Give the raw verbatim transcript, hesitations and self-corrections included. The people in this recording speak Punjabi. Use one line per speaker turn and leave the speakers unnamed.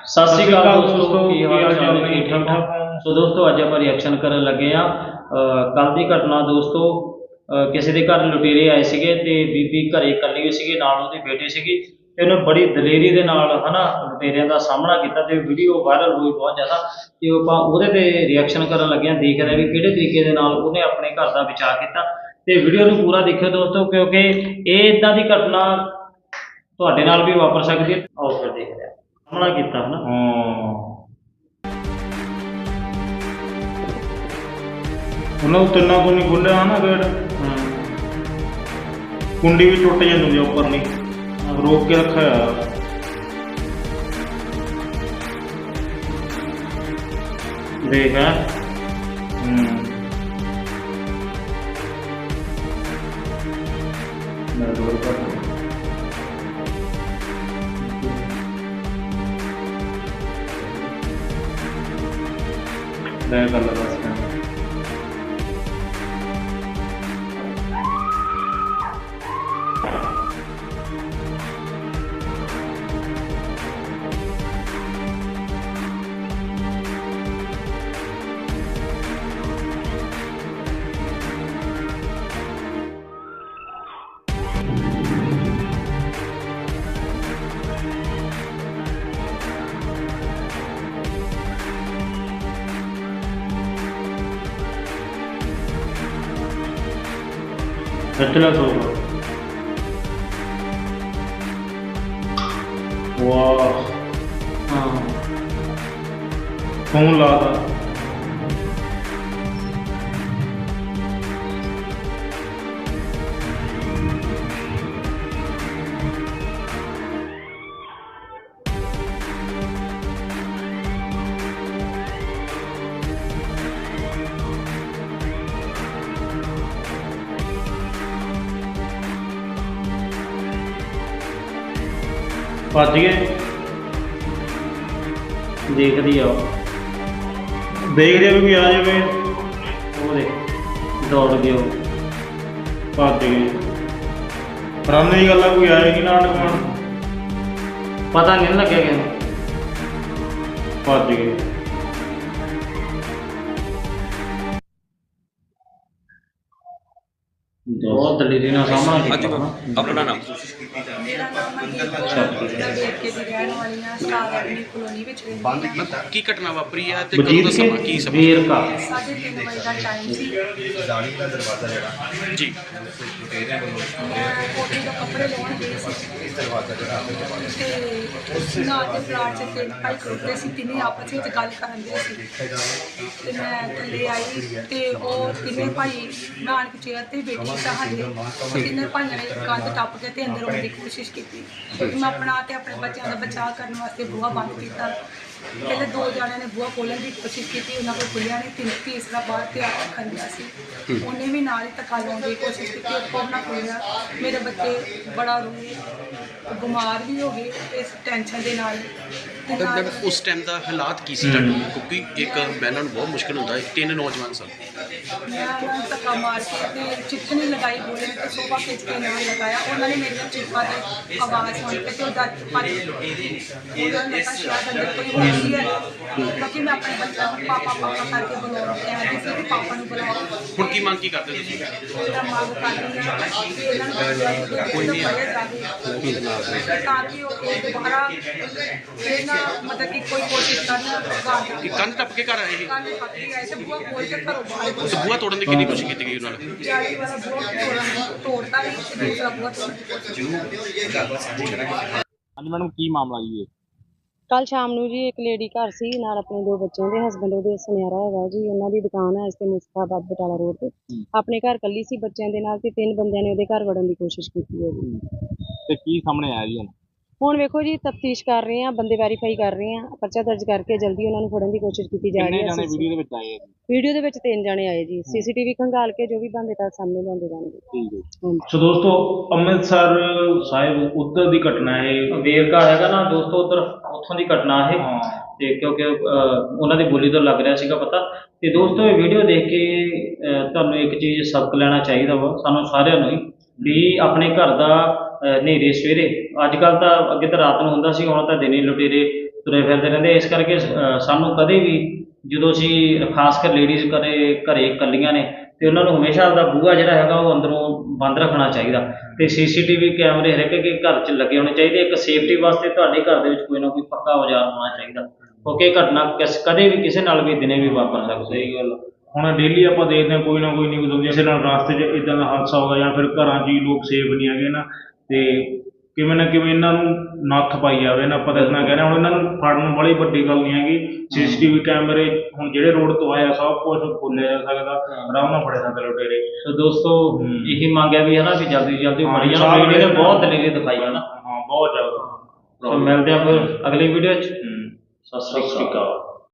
सत श्री अकाल दोस्तों, की हाल चाल ने? ठीक ठाक हो? सो दोस्तों अज आप रिएक्शन करन लगे हाँ। कल की घटना दोस्तों, किसी के घर लुटेरे आए थे तो बीबी घरे कली हुई सी, नाल उहदी बेटी सी, ते उन्हें बड़ी दलेरी दे नाल है ना लुटेरियां का सामना किया। तो वीडियो वायरल हुई बहुत ज़्यादा, तो आप उहदे ते रिएक्शन करन लगे हाँ। देख रहे हैं भी किहड़े तरीके दे नाल उहने अपने घर का बचाव किया। तो वीडियो नूं पूरा देखियो दोस्तों, क्योंकि ये इदां दी घटना तुहाडे नाल भी वापर सकती है। आओ फिर देख रहे हैं सामना किया है ना।
ਉਹਨਾਂ ਨੂੰ ਤਿੰਨਾਂ ਤੋਂ ਨਹੀਂ ਖੁੱਲਿਆ ਨਾ ਗੇਟ, ਕੁੰਡੀ ਵੀ ਟੁੱਟ ਜਾਂਦੀ ਹੈ ਉੱਪਰ ਨਹੀਂ ਰੋਕ ਕੇ ਰੱਖਿਆ ਹੋਇਆ।
देख है
कर लगा
खिचला सो
वाह
हाँ
फोन ला था। भज गए
देख दी आओ
देख रहे भी आ जाए
वो देख दौड़ गए हो
भज गए रन की गल कोई आएगी ना दुकान
पता नहीं लगे कि
भज गए।
बहुत दलेरी ना सामना किया ना।
अपना नाम
मेरा नाम मनदीप देवके ਦੀ ਰਹਿਣ ਵਾਲੀ ਹਾਂ। ਸਟਾਰ ਐਵਨਿਊ ਕਲੋਨੀ ਵਿੱਚ ਰਹਿੰਦੀ ਹਾਂ।
ਕੀ ਘਟਨਾ ਵਾਪਰੀ ਹੈ ਤੇ ਕਦੋਂ ਦਾ ਸਮਾਂ ਕੀ ਸਮਾਂ
ਵੇਰ का
ਸਾਢੇ ਤਿੰਨ ਵਜੇ ਦਾ ਟਾਈਮ ਸੀ।
ਜਾਲੀ ਦਾ ਦਰਵਾਜ਼ਾ ਜਿਹੜਾ
ਜੀ
ਲੁਟੇਰਿਆਂ ਵੱਲੋਂ
ਮੈਂ ਕੋਠੀ ਤੋਂ ਕੱਪੜੇ ਲਾਉਣ ਗਈ ਸੀ
ਇਹ ਦਰਵਾਜ਼ਾ ਜਿਹੜਾ ਆਪਣੇ
ਤੇ ਨਾ ਦੇ ਪਲਾਟ 'ਚ ਤਿੰਨ ਭਾਈ ਖੜੋਤੇ ਸੀ, ਤਿੰਨੇ ਆਪਸ ਵਿੱਚ ਗੱਲ ਕਰਨ ਦੇ ਸੀ ਤੇ ਮੈਂ ਥੱਲੇ ਆਈ ਤੇ ਉਹ ਤਿੰਨੇ ਭਾਈ ਨਾਨਕ ਚੇਅਰ ਤੇ ਬੈਠੀ ਸਾਡੇ ਤੇ ਤਿੰਨੇ ਭਾਈਆਂ ਨੇ ਕੰਧ ਟੱਪ ਕੇ ਤੇ ਅੰਦਰ ਆਉਣ ਦੀ ਕੋਸ਼ਿਸ਼ ਕੀਤੀ। ਮੈਂ ਆਪਣਾ ਤੇ ਆਪਣੇ ਬੱਚਿਆਂ ਦਾ ਬਚਾਅ ਕਰਨ ਵਾਸਤੇ ਬੂਹਾ ਬੰਦ ਕੀਤਾ। ਪਹਿਲੇ ਦੋ ਜਣਿਆਂ ਨੇ ਬੂਹਾ ਖੋਲ੍ਹਣ ਦੀ ਕੋਸ਼ਿਸ਼ ਕੀਤੀ, ਉਹਨਾਂ ਕੋਲ ਖੁੱਲਿਆ ਨਹੀਂ। ਤਿੰਨ ਤੀਸਰਾ ਬਾਹਰ ਤੇ ਆ ਕੇ ਖੜ ਗਿਆ ਸੀ, ਉਹਨੇ ਵੀ ਨਾਲ ਹੀ ਧੱਕਾ ਲਾਉਣ ਦੀ ਕੋਸ਼ਿਸ਼ ਕੀਤੀ, ਉਹ ਕੋਲ ਨਾ ਖੁੱਲਿਆ। ਮੇਰੇ ਬੱਚੇ ਬੜਾ ਰੋਏ, ਬਿਮਾਰ ਵੀ ਹੋ ਗਏ ਇਸ ਟੈਨਸ਼ਨ ਦੇ ਨਾਲ। ਤੇ ਨਾਲ
ਉਸ ਟਾਈਮ ਦਾ ਹਾਲਾਤ ਕੀ ਸੀ ਤੁਹਾਡੇ? ਕਿਉਂਕਿ ਇੱਕ ਬਹਿਣਾ ਨੂੰ ਬਹੁਤ ਮੁਸ਼ਕਿਲ ਹੁੰਦਾ ਹੈ, ਤਿੰਨ ਨੌਜਵਾਨ ਸਨ।
ਮੈਂ ਉਹਨਾਂ ਨੂੰ ਧੱਕਾ ਮਾਰ ਕੇ ਤੇ ਚਿੱਠਣੀ ਲਗਾਈ, ਬੋਲੇ ਤੇ ਸੋਫਾ ਖਿੱਚ ਕੇ ਨਾਲ ਲਗਾਇਆ। ਉਹਨਾਂ ਨੇ ਮੇਰੀਆਂ ਚੀਕਾਂ ਤੇ ਆਵਾਜ਼ ਸੁਣ ਕੇ ਤੇ ਉਹ ਡਰ ਭੱਜ ਗਏ। ਉਹਨਾਂ ਨੇ ਲੱਗਾ ਸ਼ਾਇਦ ਅੰਦਰ ਕੋਈ ਹੋਈ ਹੈ, ਕਿਉਂਕਿ ਮੈਂ ਆਪਣੇ ਬੱਚਿਆਂ ਨੂੰ ਪਾਪਾ ਪਾਪਾ ਕਰਕੇ ਬੁਲਾਉਣਾ ਕਹਿੰਦੀ ਸੀ ਕਿ ਪਾਪਾ ਨੂੰ ਬੁਲਾਓ।
ਹੁਣ ਕੀ ਮੰਗ ਕੀ ਕਰਦੇ ਤੁਸੀਂ?
ਉਹਦਾ ਮੰਗ ਕਰਦੀ ਹਾਂ ਕਿ ਇਹਨਾਂ ਨੂੰ ਕੋਈ ਨਹੀਂ ਫੜਿਆ ਜਾਵੇ ਤਾਂ ਕਿ ਉਹ ਇਹ ਦੁਬਾਰਾ ਫਿਰ ਨਾ ਮਤਲਬ ਕਿ ਕੋਈ ਕੋਸ਼ਿਸ਼ ਕਰਨ।
ਕਿ ਕੰਧ ਟੱਪ ਕੇ ਘਰ ਆਏ ਸੀ
ਕੰਨ ਪੱਕੀ ਆਏ ਤੇ ਬੂਹਾ ਖੋਲ ਕੇ ਘਰੋਂ ਬਾਹਰ
ਤੇ ਬੂਹਾ ਤੋੜਨ ਦੀ ਕਿੰਨੀ ਕੋਸ਼ਿਸ਼ ਕੀਤੀ ਗਈ ਉਹਨਾਂ ਨਾਲ?
ਜਾਲੀ ਵਾਲਾ ਬੂਹਾ ਤੋੜਨ ਤੋੜਤਾ ਹੀ ਤੇ ਦੂਸਰਾ ਬੂਹਾ ਤੋੜਨ ਦੀ ਕੋਸ਼ਿਸ਼।
ਹਾਂਜੀ ਮੈਡਮ ਕੀ ਮਾਮਲਾ ਜੀ ਇਹ?
ਕੱਲ ਸ਼ਾਮ ਨੂੰ ਜੀ ਇੱਕ ਲੇਡੀ ਘਰ ਸੀ ਨਾਲ ਆਪਣੇ ਦੋ ਬੱਚਿਆਂ ਦੇ ਹਸਬੈਂਡ ਉਹਦੇ ਸੁਨਿਆਰਾ ਹੈਗਾ ਜੀ, ਉਹਨਾਂ ਦੀ ਦੁਕਾਨ ਹੈ ਇਸ ਤੇ ਮੁਸਤਾਬਾਦ ਬਟਾਲਾ ਰੋਡ ਤੇ। ਆਪਣੇ ਘਰ ਕੱਲੀ ਸੀ ਬੱਚਿਆਂ ਦੇ ਨਾਲ ਤੇ ਤਿੰਨ ਬੰਦਿਆਂ ਨੇ ਉਹਦੇ ਘਰ ਵੜਨ ਦੀ ਕੋਸ਼ਿਸ਼ ਕੀਤੀ ਹੈ ਜੀ।
ਤੇ ਕੀ ਸਾਹਮਣੇ ਆਇਆ ਜੀ ਹੁਣ?
ਹੁਣ ਵੇਖੋ ਜੀ ਤਫਤੀਸ਼ ਕਰ ਰਹੇ ਆ, ਬੰਦੇ ਵੈਰੀਫਾਈ ਕਰ ਰਹੇ ਆ, ਪਰਚਾ ਦਰਜ ਕਰਕੇ ਜਲਦੀ ਉਹਨਾਂ ਨੂੰ ਫੜਨ ਦੀ ਕੋਸ਼ਿਸ਼ ਕੀਤੀ ਜਾ ਰਹੀ
ਕਿੰਨੇ ਜਾਣੇ
ਹੈ।
ਵੀਡੀਓ ਦੇ ਵਿੱਚ ਆਏ ਆ ਜੀ?
ਵੀਡੀਓ ਦੇ ਵਿੱਚ ਤਿੰਨ ਜਾਣੇ ਆਏ ਜੀ, ਸੀਸੀਟੀਵੀ ਖੰਗਾਲ ਕੇ ਜੋ ਵੀ ਬੰਦੇ ਤਾਂ ਸਾਹਮਣੇ ਲਿਆਂਦੇ ਜਾਣਗੇ।
ਠੀਕ ਹੈ।
ਹਾਂਜੀ।
ਸੋ ਦੋਸਤੋ ਅੰਮ੍ਰਿਤਸਰ ਸਾਹਿਬ ਉੱਧਰ ਦੀ ਘਟਨਾ ਹੈ।
ਵੇਰਕਾ ਹੈਗਾ ਨਾ ਦੋਸਤੋ, ਉਧਰ ਉੱਥੋਂ ਦੀ ਘਟਨਾ ਹੈ। ਤੇ ਕਿਉਂਕਿ ਉਹਨਾਂ ਦੀ ਬੋਲੀ ਤੋਂ ਲੱਗ ਰਿਹਾ ਸੀਗਾ ਪਤਾ। ਤੇ ਦੋਸਤੋ ਇਹ ਵੀਡੀਓ ਦੇਖ ਕੇ ਤੁਹਾਨੂੰ ਇੱਕ ਚੀਜ਼ ਸਬਕ ਲੈਣਾ ਚਾਹੀਦਾ ਵਾ ਸਾਨੂੰ ਸਾਰਿਆਂ ਨੂੰ ਹੀ, ਵੀ ਆਪਣੇ ਘਰ ਦਾ ਹਨੇਰੇ ਸਵੇਰੇ, ਅੱਜ ਕੱਲ੍ਹ ਤਾਂ ਅੱਗੇ ਤਾਂ ਰਾਤ ਨੂੰ ਹੁੰਦਾ ਸੀ, ਹੁਣ ਤਾਂ ਦਿਨੇ ਲੁਟੇਰੇ ਤੁਰੇ ਫਿਰਦੇ ਰਹਿੰਦੇ। ਇਸ ਕਰਕੇ ਅ, ਸਾਨੂੰ ਕਦੇ ਵੀ ਜਦੋਂ ਅਸੀਂ ਖਾਸ ਕਰ ਲੇਡੀਜ਼ ਘਰੇ ਘਰੇ ਇਕੱਲੀਆਂ ਨੇ ਤੇ ਉਹਨਾਂ ਨੂੰ ਹਮੇਸ਼ਾ ਆਪਦਾ ਬੂਹਾ ਜਿਹੜਾ ਹੈਗਾ ਉਹ ਅੰਦਰੋਂ ਬੰਦ ਰੱਖਣਾ ਚਾਹੀਦਾ ਤੇ ਸੀਸੀਟੀਵੀ ਕੈਮਰੇ ਹਰੇਕ ਇੱਕ ਘਰ 'ਚ ਲੱਗੇ ਹੋਣੇ ਚਾਹੀਦੇ। ਇੱਕ ਸੇਫਟੀ ਵਾਸਤੇ ਤੁਹਾਡੇ ਘਰ ਦੇ ਵਿੱਚ ਕੋਈ ਨਾ ਕੋਈ ਪੱਕਾ ਔਜ਼ਾਰ ਹੋਣਾ ਚਾਹੀਦਾ, ਕਿਉਂਕਿ ਇਹ ਘਟਨਾ ਕਿਸ ਕਦੇ ਵੀ ਕਿਸੇ ਨਾਲ ਵੀ ਦਿਨੇ ਵੀ ਵਾਪਰ ਸਕਦੀ ਹੈ।
ਗੱਲ ਹੁਣ ਡੇਲੀ ਆਪਾਂ ਦੇਖਦੇ ਹਾਂ ਕੋਈ ਨਾ ਕੋਈ ਨਿਊਜ਼ ਹੁੰਦੀ ਹੈ, ਕਿਸੇ ਨਾਲ ਰਸਤੇ 'ਚ ਇਦਾਂ ਦਾ ਹਾਦਸਾ ਹੋ ਗਿਆ ਜਾਂ ਫਿਰ ਘਰਾਂ 'ਚ ਹੀ ਲੋਕ ਸੇਫ ਨਹੀਂ ਹੈਗੇ ਨਾ, ਤੇ ਕਿਵੇਂ ਨਾ ਕਿਵੇਂ ਇਹਨਾਂ ਨੂੰ ਨੱਥ ਪਾਈ ਜਾਵੇ ਨਾ। ਆਪਾਂ ਤਾਂ ਇਤਨਾ ਕਹਿ ਰਹੇ ਹਾਂ, ਹੁਣ ਇਹਨਾਂ ਨੂੰ ਫੜਨ ਵਾਲੀ ਵੱਡੀ ਗੱਲ ਨਹੀਂ ਹੈਗੀ। ਸੀਸੀਟੀਵੀ ਕੈਮਰੇ ਹੁਣ ਜਿਹੜੇ ਰੋਡ ਤੋਂ ਆਇਆ ਸਭ ਕੁਝ ਖੋਲ੍ਹਿਆ ਜਾ ਸਕਦਾ, ਆਰਾਮ ਨਾਲ ਫੜੇ ਸਕਦੇ ਲੁਟੇਰੇ।
ਸੋ ਦੋਸਤੋ ਇਹੀ ਮੰਗ ਹੈ ਵੀ ਹੈ ਨਾ ਵੀ ਜਲਦੀ ਤੋਂ ਜਲਦੀ
ਹਾਂ,
ਬੜੀ
ਸਾਲ
ਜਾਣ ਵੀਡੀਓ ਨੇ
ਵਿੱਚ
ਬਹੁਤ ਦਲੇਰੀ ਦਿਖਾਈ ਹੈ ਨਾ।
ਹਾਂ ਬਹੁਤ ਜ਼ਿਆਦਾ।
ਸੋ ਮਿਲਦੇ ਆ ਫਿਰ ਅਗਲੀ ਵੀਡੀਓ 'ਚ।
ਹੂੰ।
ਸਤਿ ਸ਼੍ਰੀ ਅਕਾਲ।